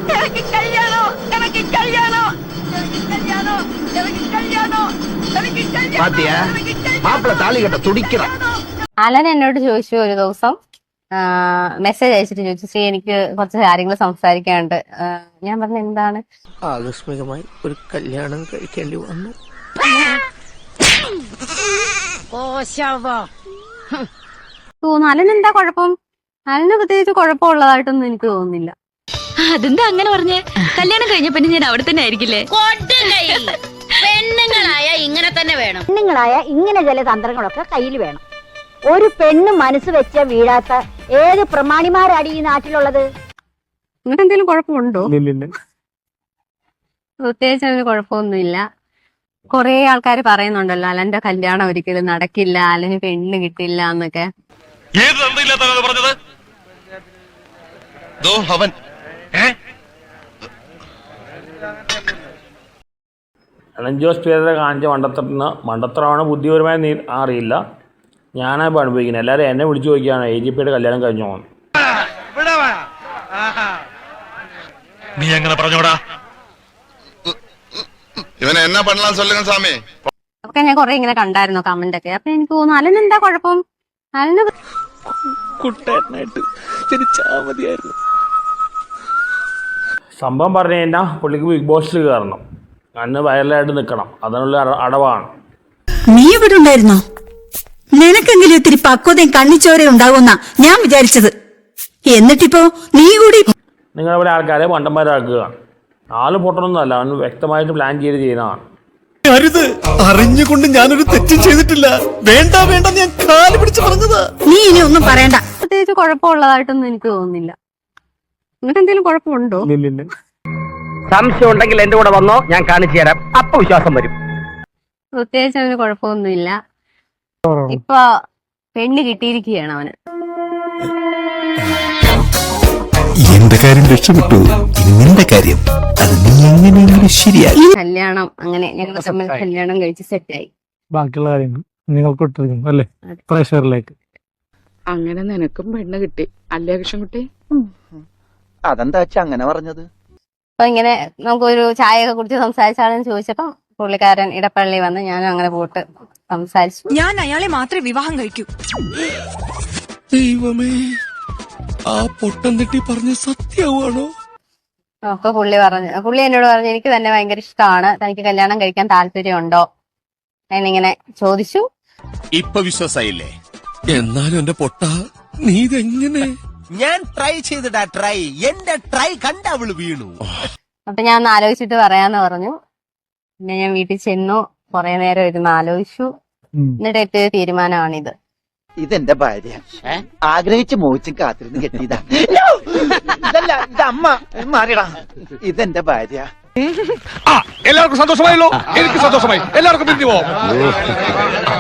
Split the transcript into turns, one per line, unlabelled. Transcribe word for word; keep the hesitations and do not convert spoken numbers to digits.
Allen എന്നോട് ചോദിച്ചു ഒരു ദിവസം, മെസ്സേജ് അയച്ചിട്ട് ചോദിച്ചു, ശ്രീ എനിക്ക് കുറച്ച് കാര്യങ്ങൾ സംസാരിക്കാനുണ്ട്. ഞാൻ പറഞ്ഞ എന്താണ്?
ആകസ്മികമായി ഒരു കല്യാണം കഴിക്കേണ്ടി വന്നു.
തോന്നുന്നു അലൻ എന്താ കുഴപ്പം? അലന് പ്രത്യേകിച്ച് കുഴപ്പമുള്ളതായിട്ടൊന്നും എനിക്ക് തോന്നുന്നില്ല.
അതെന്താ അങ്ങനെ പറഞ്ഞേ? കല്യാണം കഴിഞ്ഞ പിന്നെ ഞാൻ അവിടെ തന്നെ ആയിരിക്കില്ലേ?
പെണ്ണുങ്ങളായ ഇങ്ങനെ തന്നെ വേണം.
പെണ്ണുങ്ങളായ ഇങ്ങനെ ചില തന്ത്രങ്ങളൊക്കെ കയ്യിൽ വേണം. ഒരു പെണ്ണ് മനസ്സ് വെച്ച വീഴാത്ത ഏത് പ്രമാണിമാരാണ് ഈ നാട്ടിലുള്ളത്?
നിങ്ങൾക്ക് എന്തെങ്കിലും കുഴപ്പമുണ്ടോ? പ്രത്യേകിച്ച് അതിന് കുഴപ്പമൊന്നുമില്ല. കൊറേ ആൾക്കാർ പറയുന്നുണ്ടല്ലോ അലന്റെ കല്യാണം ഒരിക്കലും നടക്കില്ല, അലന് പെണ്ണ് കിട്ടില്ല എന്നൊക്കെ.
അലൻ ജോസ് പേരെ കാണിച്ച മണ്ടത്തരത്തിന് മണ്ടത്തരമാണ് ബുദ്ധിപരമായി അറിയില്ല. ഞാനാ പഠിപ്പിക്കുന്നത്. എല്ലാവരും എന്നെ വിളിച്ചു ചോദിക്കുകയാണ് എ ജി പിയുടെ കല്യാണം കഴിഞ്ഞു പോകുന്നു.
നീ എങ്ങനെ പറഞ്ഞോടാ? ഇവനെ എന്നാ പണലാൻ சொல்லுங்க സാമി.
ഒക്കെ ഞാൻ കൊറേ ഇങ്ങനെ കണ്ടായിരുന്നു കമന്റ് ഒക്കെ. അപ്പൊ എനിക്ക് തോന്നുന്നു അലൻ എന്താ കുഴപ്പം? അലന്
കുട്ടേട്ടനായിട്ട് ജനിച്ചാ മതിയായിരുന്നു.
സംഭവം പറഞ്ഞു കഴിഞ്ഞാൽ പുള്ളിക്ക് ബിഗ് ബോസിൽ കയറണം, അന്ന് വൈറലായിട്ട് നിൽക്കണം, അതിനുള്ള അടവാണ്.
നീ ഇവിടെ ഉണ്ടായിരുന്നോ? നിനക്കെങ്കിലും ഇത്തിരി പക്വതയും കണ്ണിച്ചോരയും ഉണ്ടാകുന്ന ഞാൻ വിചാരിച്ചത്. എന്നിട്ടിപ്പോ നീ കൂടി
നിങ്ങളെ പോലെ ആൾക്കാരെ മണ്ടന്മാരാക്കുകയാണ്. ആള് പൊട്ടണമെന്നല്ല, അവന് വ്യക്തമായിട്ട് പ്ലാൻ ചെയ്ത് ചെയ്യുന്നതാണ്.
അറിഞ്ഞുകൊണ്ട് ഞാനൊരു തെറ്റും ചെയ്തിട്ടില്ല. വേണ്ട വേണ്ട, ഞാൻ കാല് പിടിച്ച് പറഞ്ഞതാ.
നീ ഇനി ഒന്നും പറയണ്ട.
പ്രത്യേകിച്ച് കുഴപ്പമുള്ളതായിട്ടൊന്നും എനിക്ക് തോന്നുന്നില്ല. നിങ്ങൾക്ക് എന്തെങ്കിലും കുഴപ്പമുണ്ടോ?
സംശയം ഉണ്ടെങ്കിൽ എന്റെ കൂടെ വന്നോ, ഞാൻ കാണിച്ചു തരാം. അപ്പൊ വിശ്വാസം വരും.
പ്രത്യേകിച്ച് അവന് കുഴപ്പമൊന്നുമില്ല. ഇപ്പൊ പെണ്ണ് കിട്ടിയിരിക്കുകയാണ് അവന്.
എന്റെ കാര്യം രക്ഷപ്പെട്ടു, ഇനി നിന്റെ കാര്യം അത് നീ എങ്ങനെയെങ്കിലും ശരിയായി.
കല്യാണം അങ്ങനെ ഞങ്ങൾ തമ്മിൽ കല്യാണം കഴിച്ച് സെറ്റായി.
ബാക്കിയുള്ള കാര്യങ്ങൾ നിങ്ങൾക്ക് ഇട്ടിരിക്കുന്നു അല്ലേ പ്രഷറിലേക്ക്.
അങ്ങനെ നിനക്കും പെണ്ണ് കിട്ടി അല്ലേ കൃഷ്ണൻകുട്ടി?
അതെന്താ വെച്ചാ അങ്ങനെ പറഞ്ഞത്?
അപ്പൊ ഇങ്ങനെ നമുക്കൊരു ചായയൊക്കെ കുറിച്ച് സംസാരിച്ചാണെന്ന് ചോദിച്ചപ്പോ പുള്ളിക്കാരൻ ഇടപ്പള്ളി വന്ന് ഞാനും അങ്ങനെ പോയിട്ട് സംസാരിച്ചു.
ഞാൻ അയാളെ മാത്രമേ വിവാഹം കഴിക്കൂ.
ദൈവമേ, ആ പൊട്ടം തെറ്റി പറഞ്ഞ സത്യമാണോ?
അപ്പൊ പുള്ളി പറഞ്ഞു പുള്ളി എന്നോട് പറഞ്ഞു എനിക്ക് തന്നെ ഭയങ്കര ഇഷ്ടമാണ്, തനിക്ക് കല്യാണം കഴിക്കാൻ താല്പര്യമുണ്ടോ എന്നിങ്ങനെ ചോദിച്ചു.
ഇപ്പൊ വിശ്വാസായില്ലേ? എന്നാലും എന്റെ പൊട്ട, നീ ഇതെങ്ങനെ?
ഞാൻ ട്രൈ ചെയ്തിടാ ട്രൈ. എന്റെ ട്രൈ കണ്ട അവള് വീണു.
അപ്പൊ ഞാൻ ഒന്ന് ആലോചിച്ചിട്ട് പറയാന്ന് പറഞ്ഞു. പിന്നെ ഞാൻ വീട്ടിൽ ചെന്നു, കുറെ നേരം ഇരുന്ന് ആലോചിച്ചു. എന്നിട്ട് എത്തിയ തീരുമാനമാണിത്.
ഇതെന്റെ ഭാര്യ, ആഗ്രഹിച്ച് മോഹിച്ചും കാത്തിരുന്ന് കെട്ടിയതാ. ഇതല്ല, ഇത് അമ്മ മാറിയടാ. ഇതെന്റെ ഭാര്യ.
എല്ലാവർക്കും സന്തോഷമായല്ലോ? എനിക്ക് സന്തോഷമായി. എല്ലാവർക്കും പിരിഞ്ഞു പോവാം.